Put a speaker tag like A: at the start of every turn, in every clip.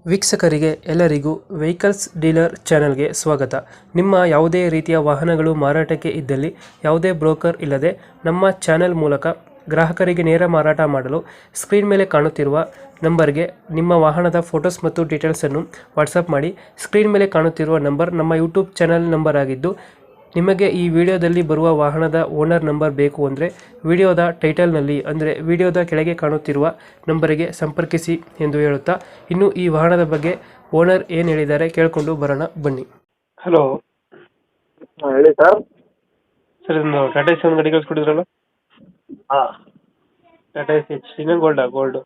A: ವೀಕ್ಷಕರಿಗೆ ಎಲ್ಲರಿಗೂ vehicles dealer ಚಾನೆಲ್ಗೆ ಸ್ವಾಗತ. ನಿಮ್ಮ ಯಾವುದೇ ರೀತಿಯ ವಾಹನಗಳು ಮಾರಾಟಕ್ಕೆ ಇದ್ದಲ್ಲಿ ಯಾವುದೇ ಬ್ರೋಕರ್ ಇಲ್ಲದೆ ನಮ್ಮ ಚಾನೆಲ್ ಮೂಲಕ ಗ್ರಾಹಕರಿಗೆ ನೇರ ಮಾರಾಟ ಮಾಡಲು ಸ್ಕ್ರೀನ್ ಮೇಲೆ ಕಾಣುತ್ತಿರುವ ನಂಬರ್ಗೆ ನಿಮ್ಮ ವಾಹನದ ಫೋಟೋಸ್ ಮತ್ತು ಡೀಟೇಲ್ಸನ್ನು ವಾಟ್ಸಪ್ ಮಾಡಿ. ಸ್ಕ್ರೀನ್ ಮೇಲೆ ಕಾಣುತ್ತಿರುವ ನಂಬರ್ ನಮ್ಮ ಯೂಟ್ಯೂಬ್ ಚಾನೆಲ್ ನಂಬರ್ ಆಗಿದ್ದು, ನಿಮಗೆ ಈ ವಿಡಿಯೋದಲ್ಲಿ ಬರುವ ವಾಹನದ ಓನರ್ ನಂಬರ್ ಬೇಕು ಅಂದರೆ ವಿಡಿಯೋದ ಟೈಟಲ್ನಲ್ಲಿ ಅಂದರೆ ವಿಡಿಯೋದ ಕೆಳಗೆ ಕಾಣುತ್ತಿರುವ ನಂಬರಿಗೆ ಸಂಪರ್ಕಿಸಿ ಎಂದು ಹೇಳುತ್ತಾ, ಇನ್ನು ಈ ವಾಹನದ ಬಗ್ಗೆ ಓನರ್ ಏನು ಹೇಳಿದ್ದಾರೆ ಕೇಳಿಕೊಂಡು ಬರೋಣ ಬನ್ನಿ. ಹಲೋ
B: ಹೇಳಿ ಸರ್.
A: ಸರ್, ಇದನ್ನು ಟಾಟಾ ಎಸ್ ಒಂದು ಗಾಡಿ ಕಳಿಸ್ಕೊಟ್ಟಿದ್ರಲ್ಲ,
B: ಹಾಂ
A: ಟಾಟಾ ಎಸ್ ಎಚ್ ಇನ್ನೂ ಗೋಲ್ಡು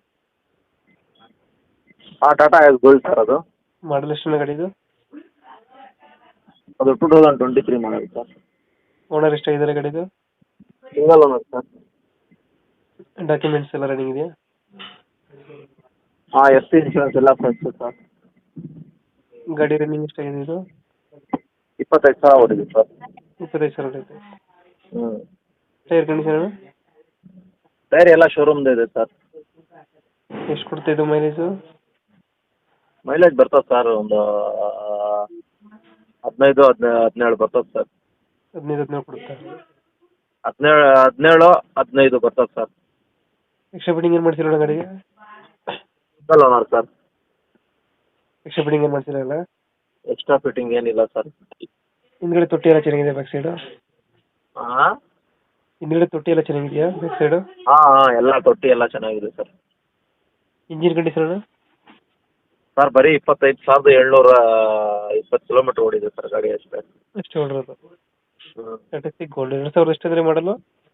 B: ಹಾಂ ಟಾಟಾ ಎಸ್ ಗೋಲ್ಡ್ ಸರ್. ಅದು
A: ಮಾಡಲ್ ಎಷ್ಟು ಗಾಡಿದು?
B: ಅದು 2023 ಮಾಡಲ್ ಸರ್.
A: ಓನರ್ ಎಷ್ಟಾಗಿದ್ದಾರೆ ಗಾಡಿದು?
B: Single owner sir.
A: ಡಾಕ್ಯುಮೆಂಟ್ಸ್ ಎಲ್ಲ ರನ್ನಿಂಗ್ ಇದೆಯಾ?
B: ಹಾಂ ಎಫ್ ಸಿ ಇನ್ಶೂರೆನ್ಸ್ ಎಲ್ಲ ಫ್ರೆಶ್ ಸರ್.
A: ಗಾಡಿ ರನ್ನಿಂಗ್ ಎಷ್ಟಾಗಿದೆ ಇದು?
B: 25,000 ಹೊಡಿದೆ ಸರ್.
A: 25,000 ಐತೆ.
B: ಹ್ಞೂ.
A: ಟೈರ್ ಕಂಡೀಷನ್
B: ಟೈರ್ ಎಲ್ಲ ಶೋರೂಮ್ದು ಇದೆ ಸರ್.
A: ಎಷ್ಟು ಕೊಡ್ತಾ ಇದು ಮೈಲೇಜು?
B: ಮೈಲೇಜ್ ಬರ್ತದೆ ಸರ್, ಒಂದು 15-17 ಬರ್ತದೆ ಸರ್.
A: 15 ಕೊಡುತ್ತಾ?
B: 17-15 ಬರ್ತದೆ ಸರ್.
A: ಎಕ್ಸ್ಟ್ರಾ ಫಿಟ್ಟಿಂಗ್ ಏನು ಮಾಡ್ಸಿಲ್ಲ ಗಾಡಿಗೆ?
B: Single owner sir.
A: Extra fitting ಏನು ಮಾಡ್ಸಿಲ್ಲ?
B: ಎಕ್ಸ್ಟ್ರಾ ಫಿಟ್ಟಿಂಗ್ ಏನಿಲ್ಲ ಸರ್.
A: ಹಿಂದ್ಗಡೆ ತೊಟ್ಟಿ ಎಲ್ಲ ಚೆನ್ನಾಗಿದೆ ಬ್ಯಾಕ್ ಸೈಡು?
B: ಹಾಂ
A: ಹಿಂದ್ಗಡೆ ತೊಟ್ಟಿ ಎಲ್ಲ ಚೆನ್ನಾಗಿದೆಯಾ ಬ್ಯಾಕ್ ಸೈಡು?
B: ಹಾಂ ಎಲ್ಲ ತೊಟ್ಟಿ ಎಲ್ಲ ಚೆನ್ನಾಗಿದೆ ಸರ್.
A: ಇಂಜಿನ್ ಕಂಡೀಷನ್
B: ಸರ್ ಬರೀ 25,720 ಕಿಲೋಮೀಟ್ರ್ ಓಡಿದೆ ಸರ್ ಗಾಡಿ ಅಷ್ಟೇ.
A: ಎಷ್ಟು ಹೊಡಿರೋದು?
B: ಹ್ಞೂ.
A: ಟಾಟಾ ಸಿ ಗೋಲ್ಡ್ 2000 ಎಷ್ಟಾದ್ರೆ ಮಾಡಲು?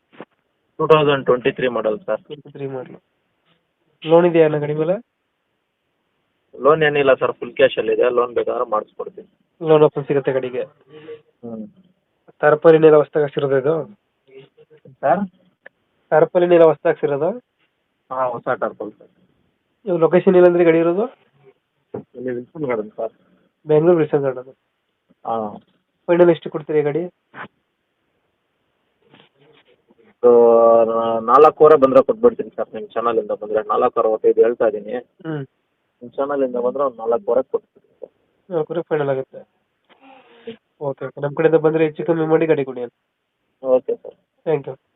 B: 2023 ಮಾಡಲ್ ಸರ್.
A: 23 ಮಾಡಲು. ಲೋನ್ ಇದೆಯಾ ಅಣ್ಣ ಗಾಡಿ ಮೇಲೆ?
B: ಲೋನ್ ಏನಿಲ್ಲ ಸರ್, ಫುಲ್ ಕ್ಯಾಶಲ್ಲಿದೆ. ಲೋನ್ ಬೇಕಾದ್ರೆ ಮಾಡಿಸ್ಕೊಡ್ತೀನಿ.
A: ಲೋನ್ ಆಪ್ಷನ್ ಸಿಗುತ್ತೆ ಗಾಡಿಗೆ?
B: ಹ್ಞೂ.
A: ತಾರಪಲಿನೆಲ್ಲ ಹೊಸ್ದಾಗಿ ಹಾಕ್ಸಿರೋದು ಇದು?
B: ಸರ್
A: ತಾರಪಲಿನೆಲ್ಲ ಹೊಸ್ದಾಗಿ ಹಾಕ್ಸಿರೋದು?
B: ಹಾಂ ಹೊಸ ಟರ್ಪಲ್ ಸರ್.
A: ಇವಾಗ ಲೊಕೇಶನ್ ಇಲ್ಲಂದ್ರೆ ಗಾಡಿ ಇರೋದು?
B: ಇಲ್ಲಿ Wilson Garden sir.
A: Bengaluru Wilson Garden.
B: ಹಾಂ.
A: ಫೈನಲ್ ಎಷ್ಟು ಕೊಡ್ತೀರಿ ಗಾಡಿ?
B: 4,500 ಬಂದರೆ ಕೊಟ್ಬಿಡ್ತೀನಿ ಸರ್. ನಿಮ್ಮ ಚಾನಲಿಂದ ಬಂದರೆ 4,65 ಹೇಳ್ತಾ ಇದ್ದೀನಿ.
A: ಹ್ಞೂ.
B: ನಿಮ್ಮ ಚಾನಲಿಂದ ಬಂದರೆ ಒಂದು 4,500 ಕೊಟ್ಬಿಡ್ತೀನಿ ಸರ್.
A: 4 ಫೈನಲ್ ಆಗುತ್ತೆ. ಓಕೆ ಓಕೆ, ನಮ್ಮ ಕಡೆಯಿಂದ ಬಂದರೆ ಹೆಚ್ಚು ಕಮ್ಮಿ ಮಾಡಿ ಗಾಡಿ ಕೊಡಿ.
B: Okay sir.
A: Thank you.